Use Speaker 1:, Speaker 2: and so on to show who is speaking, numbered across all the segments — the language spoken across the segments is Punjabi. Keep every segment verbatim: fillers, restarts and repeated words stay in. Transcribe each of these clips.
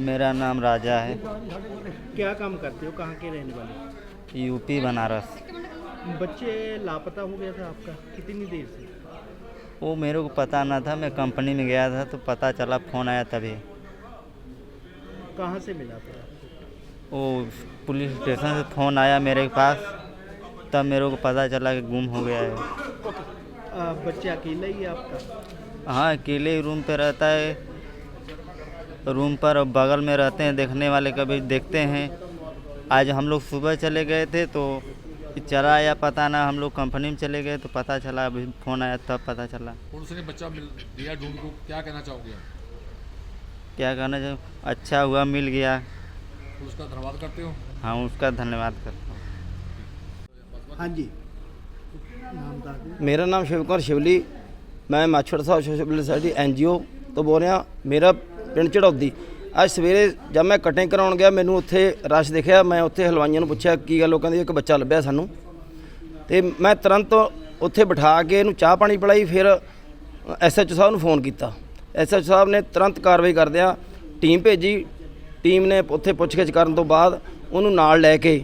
Speaker 1: मेरा नाम राजा है।
Speaker 2: क्या काम करते हो, कहाँ के रहने वाले?
Speaker 1: यूपी बनारस।
Speaker 2: बच्चे लापता हो गया था आपका, कितनी देर से?
Speaker 1: वो मेरे को पता ना था, मैं कंपनी में गया था तो पता चला, फ़ोन आया तभी।
Speaker 2: कहाँ से मिला था आपको?
Speaker 1: वो पुलिस स्टेशन से फ़ोन आया मेरे पास, तब मेरे को पता चला कि गुम हो गया है।
Speaker 2: आ, बच्चे अकेला ही है आपका?
Speaker 1: हाँ, अकेले ही रूम पे रहता है, रूम पर बगल में रहते हैं, देखने वाले कभी देखते हैं। आज हम लोग सुबह चले गए थे तो चला या पता ना, हम लोग कंपनी में चले गए तो पता चला, अभी फ़ोन आया तब पता चला।
Speaker 3: पुलिस ने बच्चा मिल दिया ढूंढ को, क्या कहना चाहोगे आप?
Speaker 1: क्या कहना चाहिए, अच्छा हुआ मिल गया।
Speaker 3: पुलिस का धन्यवाद करते हो?
Speaker 1: हाँ, उसका धन्यवाद करता हूँ।
Speaker 2: हाँ जी, नाम बता दें।
Speaker 4: मेरा नाम शिव कुमार शिवली, मैं माछड़ साहब social society N G O ਤੋਂ ਬੋਲ ਰਿਹਾ। ਮੇਰਾ ਪਿੰਡ ਚੜੌਦੀ। ਅੱਜ ਸਵੇਰੇ ਜਦ ਮੈਂ ਕਟਿੰਗ ਕਰਾਉਣ ਗਿਆ, ਮੈਨੂੰ ਉੱਥੇ ਰਸ਼ ਦਿਖਿਆ। ਮੈਂ ਉੱਥੇ ਹਲਵਾਈਆਂ ਨੂੰ ਪੁੱਛਿਆ ਕੀ ਗੱਲ, ਉਹ ਕਹਿੰਦੇ ਇੱਕ ਬੱਚਾ ਲੱਭਿਆ ਸਾਨੂੰ, ਅਤੇ ਮੈਂ ਤੁਰੰਤ ਉੱਥੇ ਬਿਠਾ ਕੇ ਇਹਨੂੰ ਚਾਹ ਪਾਣੀ ਪਿਲਾਈ। ਫਿਰ ਐਸ ਐਚ ਓ ਸਾਹਿਬ ਨੂੰ ਫੋਨ ਕੀਤਾ। ਐਸ ਐਚ ਓ ਸਾਹਿਬ ਨੇ ਤੁਰੰਤ ਕਾਰਵਾਈ ਕਰਦਿਆਂ ਟੀਮ ਭੇਜੀ। ਟੀਮ ਨੇ ਉੱਥੇ ਪੁੱਛਗਿੱਛ ਕਰਨ ਤੋਂ ਬਾਅਦ ਉਹਨੂੰ ਨਾਲ ਲੈ ਕੇ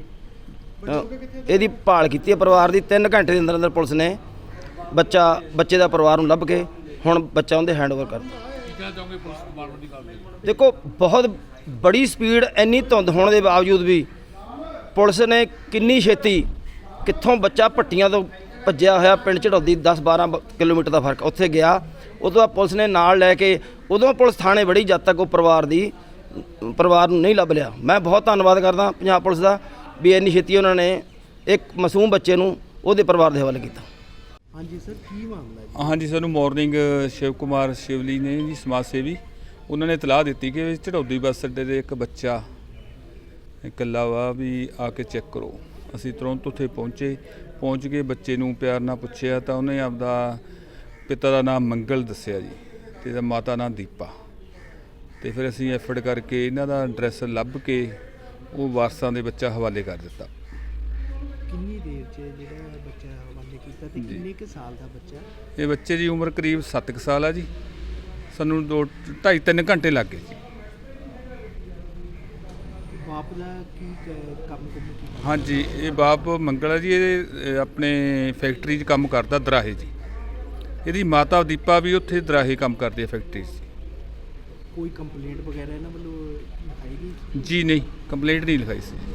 Speaker 4: ਇਹਦੀ ਭਾਲ ਕੀਤੀ ਹੈ ਪਰਿਵਾਰ ਦੀ। ਤਿੰਨ ਘੰਟੇ ਦੇ ਅੰਦਰ ਅੰਦਰ ਪੁਲਿਸ ਨੇ ਬੱਚਾ ਬੱਚੇ ਦਾ ਪਰਿਵਾਰ ਨੂੰ ਲੱਭ ਕੇ ਹੁਣ ਬੱਚਾ ਉਹਦੇ ਹੈਂਡਓਵਰ ਕਰਤਾ।
Speaker 3: ਕੀ ਕਹਿਣਾ ਚਾਹੋਗੇ ਪੁਲਿਸ ਡਿਪਾਰਟਮੈਂਟ ਦੀ ਕਾਰਵਾਈ?
Speaker 4: ਦੇਖੋ, ਬਹੁਤ ਬੜੀ ਸਪੀਡ, ਇੰਨੀ ਧੁੰਦ ਹੋਣ ਦੇ ਬਾਵਜੂਦ ਵੀ ਪੁਲਿਸ ਨੇ ਕਿੰਨੀ ਛੇਤੀ, ਕਿੱਥੋਂ ਬੱਚਾ ਭੱਟੀਆਂ ਤੋਂ ਭੱਜਿਆ ਹੋਇਆ ਪਿੰਡ ਚੜੌਦੀ ਦਸ ਬਾਰਾਂ ਕਿਲੋਮੀਟਰ ਦਾ ਫਰਕ, ਉੱਥੇ ਗਿਆ। ਉਦੋਂ ਬਾਅਦ ਪੁਲਿਸ ਨੇ ਨਾਲ ਲੈ ਕੇ, ਉਦੋਂ ਪੁਲਿਸ ਥਾਣੇ ਵੜੀ ਜਦ ਤੱਕ ਉਹ ਪਰਿਵਾਰ ਦੀ ਪਰਿਵਾਰ ਨੂੰ ਨਹੀਂ ਲੱਭ ਲਿਆ। ਮੈਂ ਬਹੁਤ ਧੰਨਵਾਦ ਕਰਦਾ ਪੰਜਾਬ ਪੁਲਿਸ ਦਾ ਵੀ ਇੰਨੀ ਛੇਤੀ ਉਹਨਾਂ ਨੇ ਇੱਕ ਮਾਸੂਮ ਬੱਚੇ ਨੂੰ ਉਹਦੇ ਪਰਿਵਾਰ ਦੇ ਹਵਾਲੇ ਕੀਤਾ।
Speaker 2: हाँ जी सर, की मामला है?
Speaker 5: ਹਾਂਜੀ, ਸਾਨੂੰ ਮਾਰਨਿੰਗ ਸ਼ਿਵ ਕੁਮਾਰ ਸ਼ਿਵਲੀ ਨੇ ਜੀ, ਸਮਾਜ ਸੇਵੀ, ਉਹਨਾਂ ਨੇ ਇਤਲਾਹ ਦਿੱਤੀ ਕਿ ਝੜੌਦੀ ਬੱਸ ਅੱਡੇ ਦੇ ਇੱਕ ਬੱਚਾ ਇਕੱਲਾ ਵਾ, ਵੀ ਆ ਕੇ ਚੈੱਕ ਕਰੋ। ਅਸੀਂ ਤੁਰੰਤ ਉੱਥੇ ਪਹੁੰਚੇ। ਪਹੁੰਚ ਕੇ ਬੱਚੇ ਨੂੰ ਪਿਆਰ ਨਾਲ ਪੁੱਛਿਆ ਤਾਂ ਉਹਨੇ ਆਪਦਾ ਪਿਤਾ ਦਾ ਨਾਮ ਮੰਗਲ ਦੱਸਿਆ ਜੀ, ਅਤੇ ਇਹਦਾ ਮਾਤਾ ਨਾਮ ਦੀਪਾ। ਅਤੇ ਫਿਰ ਅਸੀਂ ਐਫਰਟ ਕਰਕੇ ਇਹਨਾਂ ਦਾ ਐਡਰੈਸ ਲੱਭ ਕੇ ਉਹ ਵਾਰਸਾਂ ਦੇ ਬੱਚਾ ਹਵਾਲੇ ਕਰ ਦਿੱਤਾ।
Speaker 2: ਕਿੰਨੀ ਦੇਰ 'ਚ ਜਿਹੜਾ ਬੱਚਾ ਹਵਾਲੇ ਕੀਤਾ ਤੇ ਕਿੰਨੇ ਕੁ ਸਾਲ ਦਾ ਬੱਚਾ?
Speaker 5: ਇਹ ਬੱਚੇ ਦੀ ਉਮਰ ਕਰੀਬ ਸੱਤ ਕੁ ਸਾਲ ਆ ਜੀ। ਸਾਨੂੰ ਦੋ ਢਾਈ ਤਿੰਨ ਘੰਟੇ ਲੱਗ ਗਏ ਜੀ।
Speaker 2: ਬਾਪ ਦਾ ਕੀ ਕ- ਕੰਮ ਕੁਮ ਕੀ?
Speaker 5: ਹਾਂਜੀ, ਇਹ ਬਾਪ ਮੰਗਲ ਹੈ ਜੀ, ਇਹ ਆਪਣੇ ਫੈਕਟਰੀ 'ਚ ਕੰਮ ਕਰਦਾ ਦਰਾਹੇ ਜੀ। ਇਹਦੀ ਮਾਤਾ ਦੀਪਾ ਵੀ ਉੱਥੇ ਦਰਾਹੇ ਕੰਮ ਕਰਦੀ ਹੈ ਫੈਕਟਰੀ 'ਚ।
Speaker 2: ਕੋਈ ਕੰਪਲੇਂਟ ਵਗੈਰਾ ਇਹਨਾਂ ਵੱਲੋਂ ਲਿਖਾਈ ਗਈ?
Speaker 5: ਜੀ ਨਹੀਂ, ਕੰਪਲੇਂਟ ਨਹੀਂ ਲਿਖਾਈ ਸੀ।